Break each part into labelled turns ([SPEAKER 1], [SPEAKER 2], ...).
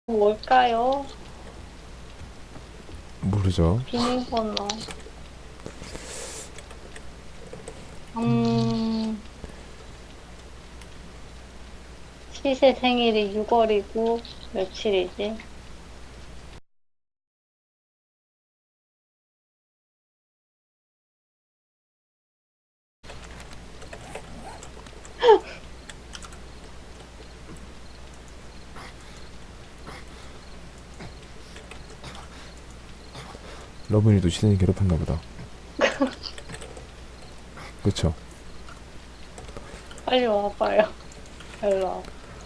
[SPEAKER 1] 뭘까요?
[SPEAKER 2] 모르죠.
[SPEAKER 1] 비밀번호. 시세 생일이 6월이고 며칠이지?
[SPEAKER 2] 러브니도 시선이 괴롭혔나 보다. 그쵸?
[SPEAKER 1] 빨리 와봐요. 일로 와.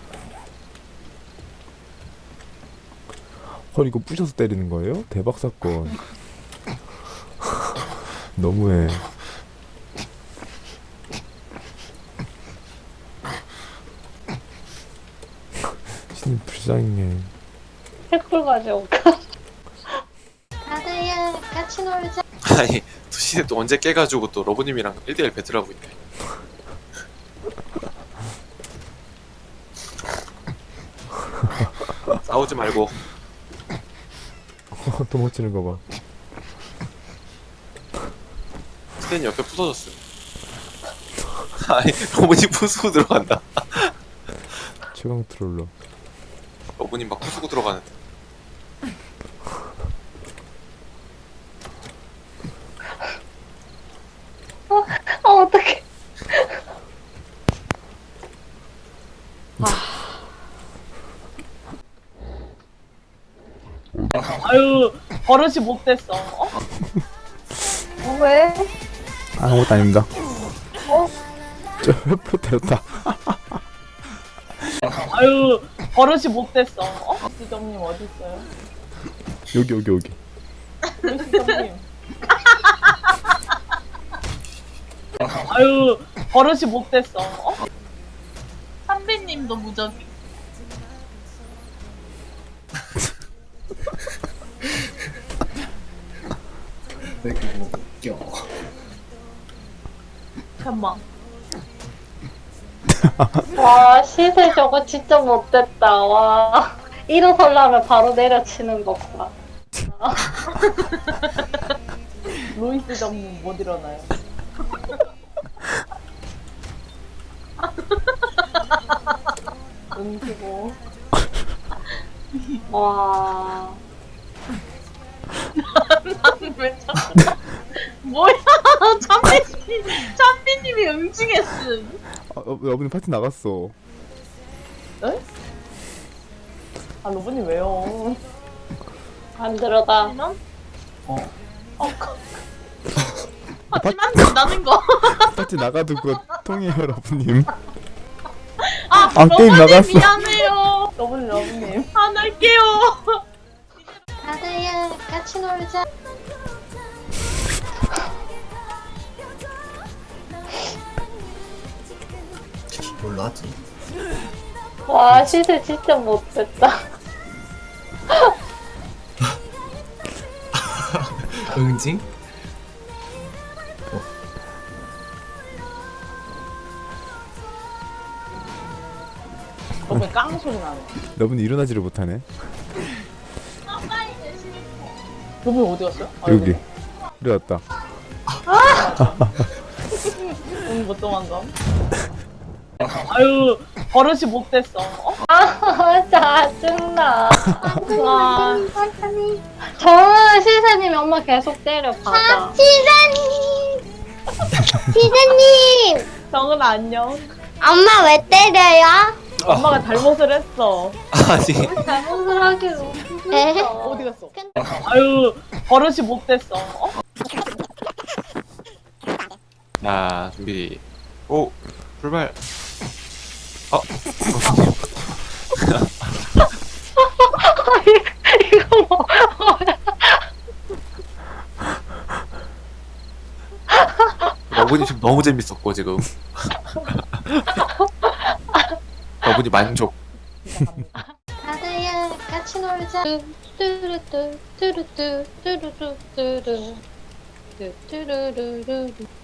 [SPEAKER 2] 헐, 이거 부셔서 때리는 거예요? 대박 사건. 너무해. 신이 불쌍해.
[SPEAKER 1] 횃불 가져올까?
[SPEAKER 3] 다다야 같이 놀자.
[SPEAKER 4] 아니 도시는 또 언제 깨가지고 또 러브님이랑 1대1 배틀하고 있네. 싸우지 말고.
[SPEAKER 2] 도망치는 거 봐.
[SPEAKER 4] 스탠이 옆에 부서졌어. 아니 러브님 부수고 들어간다.
[SPEAKER 2] 최강 트롤러.
[SPEAKER 4] 러브님 막 부수고 들어가는데.
[SPEAKER 1] 어떡해.
[SPEAKER 5] 아유 버릇이 못 됐어. 어?
[SPEAKER 1] 왜?
[SPEAKER 2] 아무것도 아닙니다. 저 회포 때렸다.
[SPEAKER 5] 아유 버릇이 못 됐어. 어? 시점님 어디 있어요?
[SPEAKER 2] 여기.
[SPEAKER 5] 우리 시점님. 아유 버릇이 못 됐어. 어? 선배님도 무적이.
[SPEAKER 6] 왜 그거 웃겨?
[SPEAKER 5] 잠만.
[SPEAKER 1] 와, 시세 저거 진짜 못됐다. 와. 일어서려면 바로 내려치는 것 봐.
[SPEAKER 5] 로이스 점님 못 일어나요. 응수고.
[SPEAKER 1] 와.
[SPEAKER 5] 왜 자꾸 뭐야? 참비님이 응징했음.
[SPEAKER 2] 여러분 파티 나갔어.
[SPEAKER 5] 아 로브님 왜요?
[SPEAKER 1] 안 들어다.
[SPEAKER 5] 하지만
[SPEAKER 6] 어?
[SPEAKER 5] 하지만 된다는 거.
[SPEAKER 2] 파티 나가도 그거 통해요, 여러분님.
[SPEAKER 5] 아
[SPEAKER 2] 게임
[SPEAKER 5] 러브님
[SPEAKER 2] 나갔어.
[SPEAKER 5] 미안해요. 러브님 안 할게요.
[SPEAKER 3] 다다야 같이 놀자.
[SPEAKER 6] 뭘로 하지?
[SPEAKER 1] 와, 시세 진짜 못됐다.
[SPEAKER 6] 응징?
[SPEAKER 5] 러브님 깡 소리 나네.
[SPEAKER 2] 여러분이 일어나지를 못하네.
[SPEAKER 5] 러브님 어디 갔어요? 아,
[SPEAKER 2] 여기. 일어났다.
[SPEAKER 5] 오늘 못 도망가. 아유 버릇이 못 됐어. 어?
[SPEAKER 1] 아, 짜증나. 와.
[SPEAKER 3] 천천히.
[SPEAKER 1] 저는 시세님이 엄마 계속 때려, 받아.
[SPEAKER 3] 시사님. 시사님.
[SPEAKER 5] 정은 안녕.
[SPEAKER 3] 엄마 왜 때려요?
[SPEAKER 5] 엄마가 잘못을 했어.
[SPEAKER 4] 아니
[SPEAKER 1] 잘못을 하기로.
[SPEAKER 3] 에?
[SPEAKER 5] 어디 갔어? 아유 버릇이 못 됐어. 어?
[SPEAKER 4] 자 준비. 오 출발.
[SPEAKER 1] 이거 뭐.
[SPEAKER 4] 러브님 지금 너무 재밌었고 지금. 러브님 만족.
[SPEAKER 3] 다다야 같이 놀자.
[SPEAKER 1] 뚜루뚜 뚜루뚜 뚜루뚜 뚜루 뚜루루루루